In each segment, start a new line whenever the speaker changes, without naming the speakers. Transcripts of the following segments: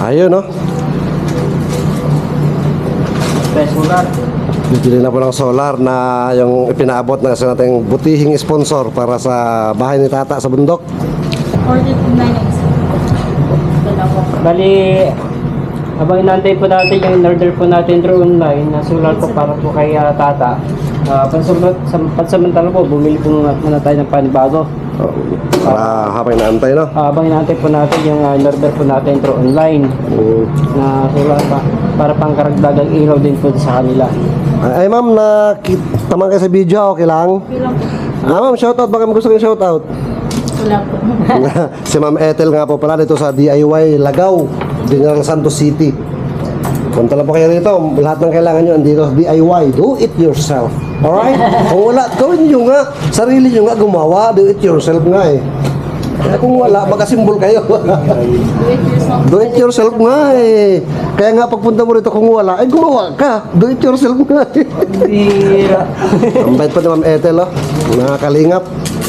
Ayun, no?
Solar.
Bibili na po ng solar na yung ipinaabot na sa nating butihing sponsor para sa bahay ni Tata sa bundok.
49.
Bali, habang inantay po natin yung in-order po natin through online na solar po para po kay Tata. Pansamantala po, bumili po muna tayo ng panibago.
Oh, para habang inaantay, no?
Habang inantay po natin yung in-order po natin through online na solar pa para pangkaragdagang ilaw din po sa kanila.
Ay, ma'am, tamang kayo sa video, okay lang?
Bilang
Ma'am, shoutout, baka gusto kayong shoutout.
wala po.
Si Ma'am Ethel nga po pala dito sa DIY Lagaw, General Santos City. Punta lang po kayo dito, lahat ng kailangan nyo andito sa DIY, do it yourself. Alright? Kung wala, gawin nyo nga, sarili nyo nga gumawa, do it yourself nga eh. Kaya kung wala, magasimbol kayo.
Do it yourself.
Do it yourself nga eh. Kaya nga pagpunta mo rito kung wala, ay gumawa ka. Do it yourself nga eh.
Bira.
Ang bait pa ni Ma'am Ethel, oh. Nakakalingap.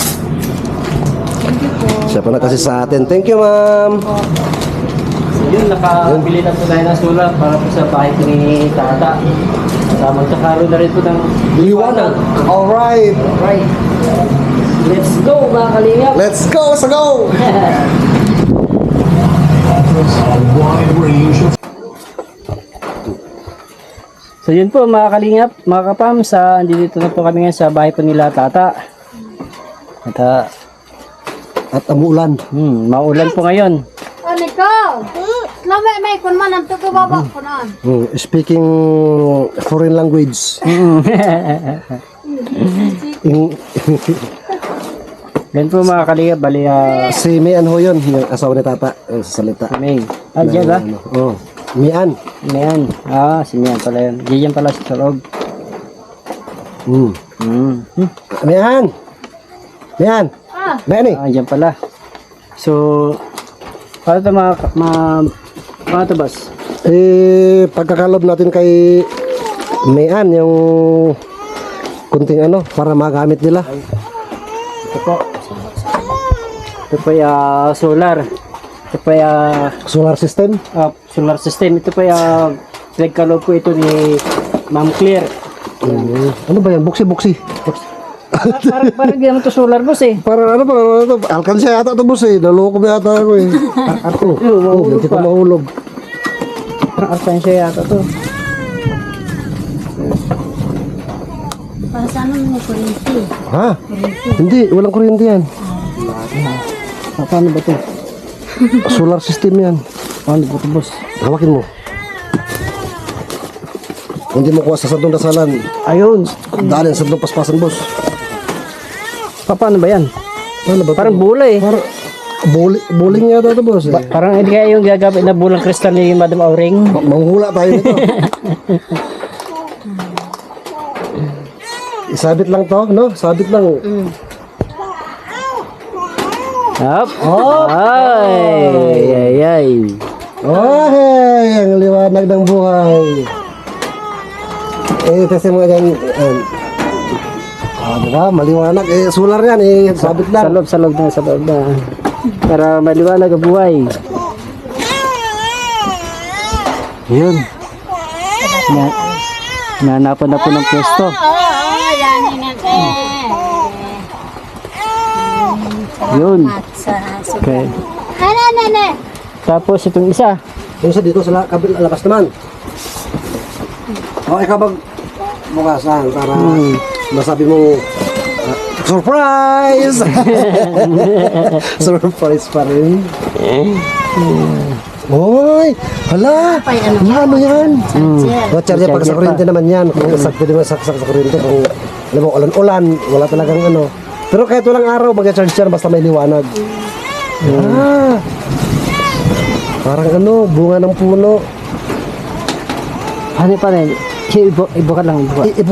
Siya pa na kasi sa atin. Thank you, ma'am.
So yun, nakabili na po tayo ng solar para po sa bahay po ni Tata. Magkakaroon na rin po ng
Liwanag. Alright.
Right. Let's go mga kalingap.
Let's go sa go!
So yun po mga kalingap, mga kapam, andito na po kami ngayon sa bahay po nila Tata.
At amulan.
Maulan po ngayon.
Ano ka? Lame may kun man ang tuko baba ko na.
Speaking foreign language.
Ganun po mga kalingap, bali
Si Mian ho yun, yung asawa ni Tata. Sa salita.
May. Diyan ba?
Oh. Mian.
Mian. Si Mian pala yun. Diyan pala sa loob.
Mian! Mian! Mian eh!
Diyan pala. So, paano ito paano ito, boss?
Pagkakalob natin kay Mian, yung kunting para magamit nila.
Ito po. Ito po yung solar. Ito po yung
Solar system.
solar system. Ito po yung pinagkaloob po ito ni Ma'am Claire.
Ano ba yan? Buksi-buksi.
Parang hindi naman ito solar, boss eh.
Parang parang ito? Alkansya yata ito, boss eh. Naloko mo yata ako eh. Hindi ko mahulog.
Parang arkansya yata ito.
Para sa ano mo kuryente?
Ha? Hindi, walang kuryente yan.
Paano ba ito?
Solar system yan.
Paano ba ito, boss?
Hawakin mo. Hindi mo kuha sa sandong dasalan.
Ayun.
Dalhin sa sandong paspasan, boss.
Paano ba yan?
Ano ba?
Parang bola eh.
Parang bowling yata ito, boss eh.
Parang hindi kaya yung gagamit na bulang kristal ni Madam Auring.
Manghula tayo nito. Isabit lang to, no? Sabit lang.
Hop. Ay.
Ay, ang liwanag ng buhay. Kasi mo yan. Diba? Maliwanag. Solar yan eh. Sabit lang.
Sa loob na. Para maliwanag ang buhay. Yun. Nanapan na po ng pwesto.
Yan natin.
Yun. Okay.
Nene.
Tapos itong isa.
Yung sa dito sa labas naman. Ikaw bukasan para masabi mo surprise! Surprise pa rin. Hoy! Hala! Ano yan? Charger pag sa kuryente naman yan. Kung pwede mo saksak sa kuryente. Kung alam mo, ulan-ulan, wala talagang Pero kahit walang araw, mag-charge yan basta may liwanag. Parang bunga ng puno.
Ano pa rin? Ibuka lang.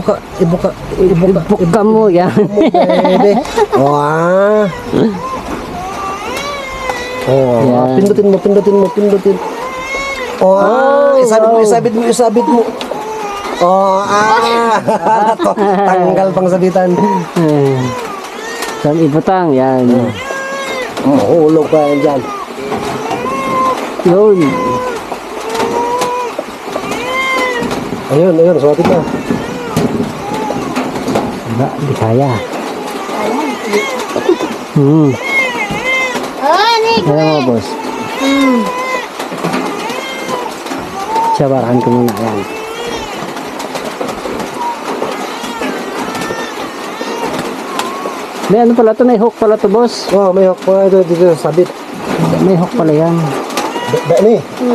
Ibuka mo yan.
Pwede. Pindutin mo. Isabit mo. Tanggal pang sabitan.
Saan ibutang? Yan.
Hulog pa yan dyan.
Yun.
Ayun, suwatin na.
Wala, di kaya.
Ah, ni
Alam mo, boss. Sabarahan ko muna yan. May ano pala to? May hook pala to, boss.
Oh, may hook pa ito dito sabit.
May hook pala yan.
Ni.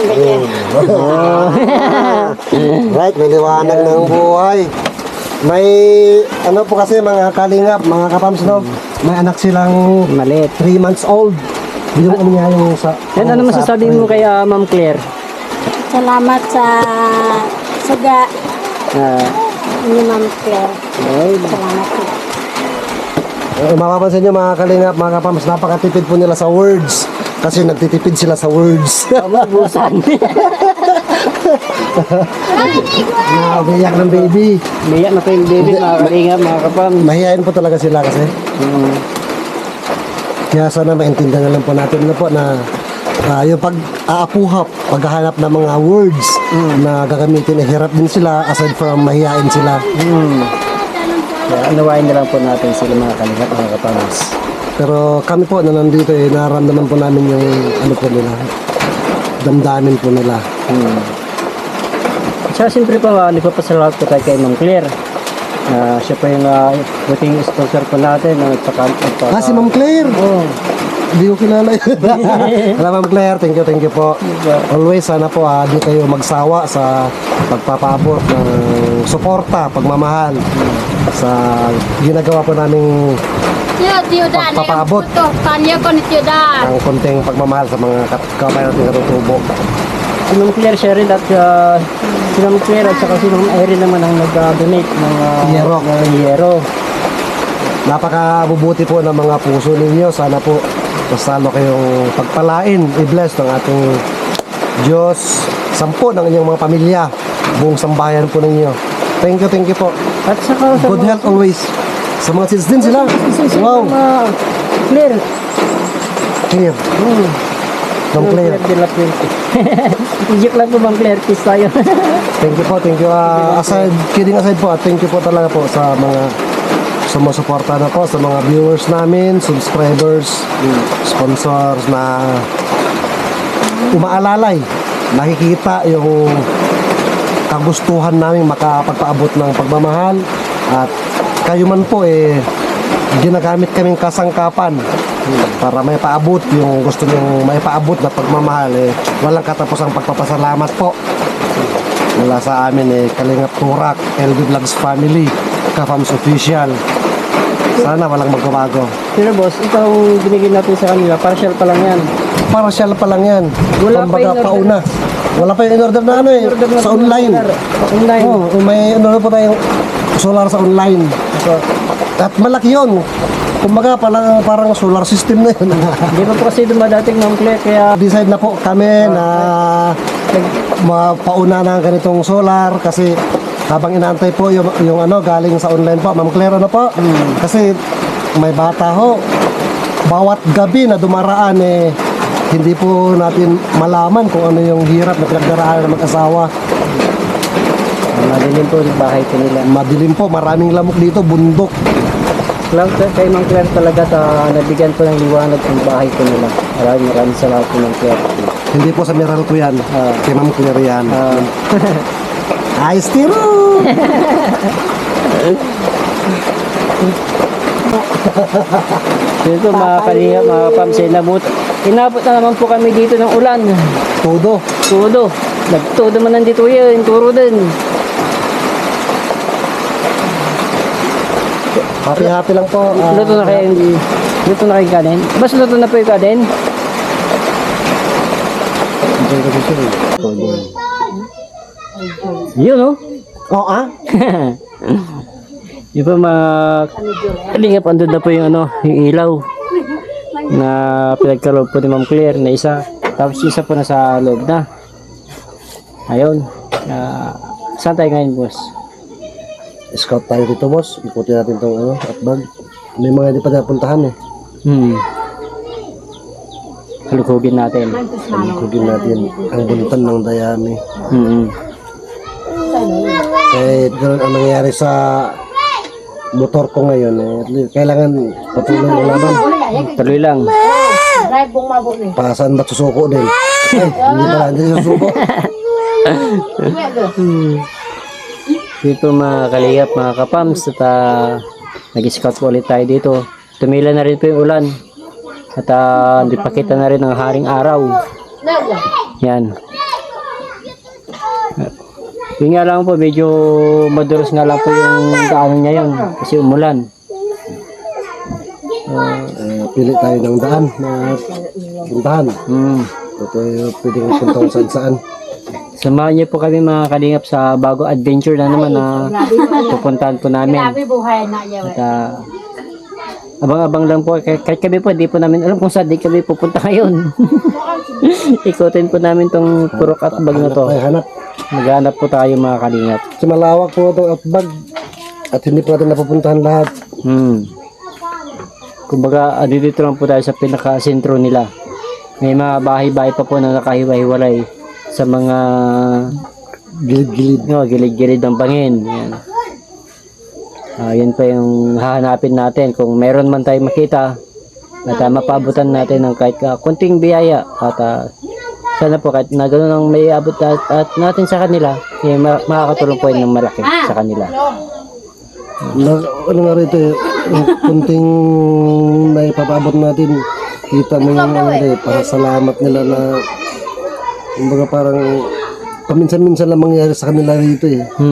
Right, may liwanag ng buhay. May ano po kasi mga kalingap, mga kapams no, may anak silang
Malit.
3 months old. Yung ano niya yung sa...
Yan, ano masasabi mo kay Ma'am Claire?
Salamat sa saga
Ah,
ni Ma'am Claire.
ay,
Salamat po.
Mapapansin nyo mga kalingap, mga kapams, napakatipid po nila sa words. Kasi nagtitipid sila sa words.
busan.
Umiyak ng baby.
Biyak na po yung baby, mga kalingap, mga kapam.
Mahihain po talaga sila kasi. Kaya sana maintindihan na lang po natin na po na yung pag-aapuhap, paghahanap ng mga words na gagamitin, hirap din sila aside from mahihain sila.
Kaya unawain na lang po natin sila, mga kalingap, mga kapams.
Pero kami po na nandito nararamdaman po namin yung ano po nila, damdamin po nila.
Tsaka siyempre po, nagpapasalamat po tayo kay Ma'am Claire. Siya po yung buting sponsor po natin.
Si Ma'am Claire!
Oh,
Hindi ko kilala yun. Hello Ma'am Claire, thank you po. Always sana po di kayo magsawa sa pagpapabot ng suporta, pagmamahal sa ginagawa po naming
Tiyo Dan.
Pagpapaabot.
Kanya ko ni Tiyo Dan.
ang konting pagmamahal sa mga kabayan natin katutubo.
si Ma'am Claire siya rin at si Ma'am Claire at saka si Ma'am Irene naman ang nag-donate ng
Yero.
yero.
Napakabubuti po ng mga puso ninyo. Sana po mas lalo kayong pagpalain, i-bless ng ating Diyos, sampo ng inyong mga pamilya, buong sambahayan po ninyo. Thank you po.
At saka sa
Good health always. Sa mga kids din sila. Wow.
Claire.
Clear. Ma'am Claire.
de la Puente. Joke lang po, Ma'am Claire. Peace tayo.
Thank you po. Kidding aside po, thank you po talaga po sa mga sumusuporta na po, sa mga viewers namin, subscribers, sponsors na umaalalay, nakikita yung kagustuhan namin makapagpaabot ng pagmamahal at kayo man po ginagamit kaming kasangkapan para may paabot yung gusto nyong may paabot na pagmamahal walang katapos ang pagpapasalamat po mula sa amin Kalingap Turak, LB Vlogs Family, Kafams Official. Sana walang magbabago.
Pero boss, itong binigay natin sa kanila, partial pa lang yan.
Partial pa lang yan.
Wala pa
Kumbaga,
in-order.
pauna. Wala pa yung in-order na
In-order na
sa
po ng
online.
solar. Online.
May in-order po tayong solar sa online.
So,
At malaki yun. Kumbaga, parang solar system na yun.
hindi pa po kasi dumadating, Ma'am Claire, kaya
Decide na po kami na mapauna na ang ganitong solar kasi habang inaantay po yung ano galing sa online po, Ma'am Claire, ano po? Kasi may bata ho. Bawat gabi na dumaraan hindi po natin malaman kung ano yung hirap na pinagdaraanan ng mag-asawa.
madilim po yung bahay ko nila.
Madilim po, maraming lamok dito, bundok.
Lang kay Ma'am Claire talaga nabigyan po ng liwanag ang bahay ko nila. Maraming salamat po, Ma'am Claire.
Hindi po sa Meral ko yan. Kay Ma'am Claire yan. Ayos tiro!
Dito mga kalinga, mga pamsay, inabot na naman po kami dito ng ulan.
Todo.
Tudo. Nagtudo man nandito yun, turo din.
Happy lang po.
Luto na kayo kanin. Bas luto na po yung kanin. Yun oh.
Oo
Yung pa mga kalingap, andun na po yung yung ilaw na pinagkaloob po ni Ma'am Claire na isa. Tapos isa po na sa loob na. Ayun. Saan tayo ngayon, boss?
Scout tayo dito, boss. Ikutin natin itong atbag. May mga hindi pa napuntahan
Halukugin natin.
Ikutin natin ang buntan ng dayami. kahit ganun ang nangyayari sa motor ko ngayon, kailangan patuloy ang laban.
Tuloy lang.
Drive bong mabot ni.
Pasan ba't susuko din? Ay, hindi susuko.
Dito mga kalingap, mga kapams, at nag-scout po ulit tayo dito. Tumila na rin po yung ulan. At hindi pa kita na rin ang haring araw. Yan. Yun nga lang po, medyo maduros nga lang po yung daanan niya yun. Kasi umulan.
Pili tayo ng daan na puntahan. Ito pwedeng punta kung saan saan.
Samahan niyo po kami mga kalingap sa bago adventure na naman na pupuntahan po namin.
Grabe buhay na niya.
At abang-abang lang po. Kahit kami po, di po namin alam kung saan di kami pupunta ngayon. Ikutin po namin tong purok at bag na to.
Ay, hanap.
Maghanap po tayo mga kalingap.
Kasi malawak po itong atbag at hindi po natin napupuntahan lahat.
Kumbaga, dito lang po tayo sa pinaka-sentro nila. May mga bahay-bahay pa po na nakahiwa-hiwalay sa mga
Gilid-gilid.
gilid-gilid ng bangin. Yan. Yan pa yung hahanapin natin. Kung meron man tayo makita at mapabutan natin ng kahit kunting biyaya at sana po kahit na gano'n ang may abot at natin sa kanila, makakatulong po yun ng malaki sa kanila.
Ano nga rito yung kunting naipapabot natin, kita mo yung pasalamat nila na kumbaga parang paminsan-minsan lang mangyayari sa kanila rito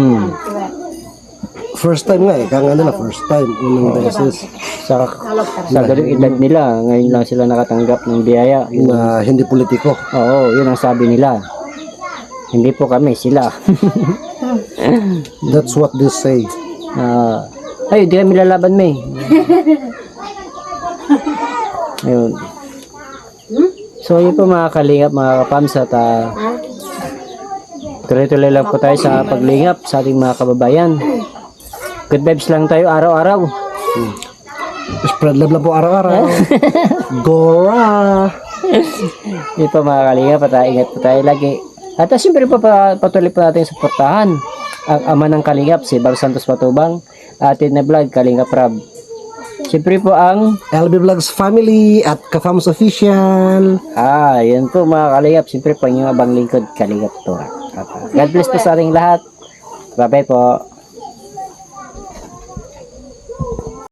First time nga kaya nila first time, unang beses.
Sa ganung edad nila, ngayon lang sila nakatanggap ng biyaya.
Na hindi politiko.
Oo, yun ang sabi nila. Hindi po kami, sila.
That's what they say.
Ay, di kami lalaban, May. Ayun. So, yun po mga kalingap, mga kapams, at tuloy-tuloy lang po tayo sa paglingap sa ating mga kababayan. Good vibes lang tayo araw-araw.
Spread love lang po araw-araw. Gora!
Yun po mga kalingap, at ingat po tayo lagi. At siyempre po patuloy po natin suportahan ang ama ng kalingap, si Bang Santos Patubang, atin na vlog, Kalingap Rab. Siyempre po ang
LB Vlogs Family at Kafams Official.
yan po mga kalingap. Siyempre po ang inyong abang lingkod, Kalingap Tora. God bless po sa ating lahat. Bye-bye po.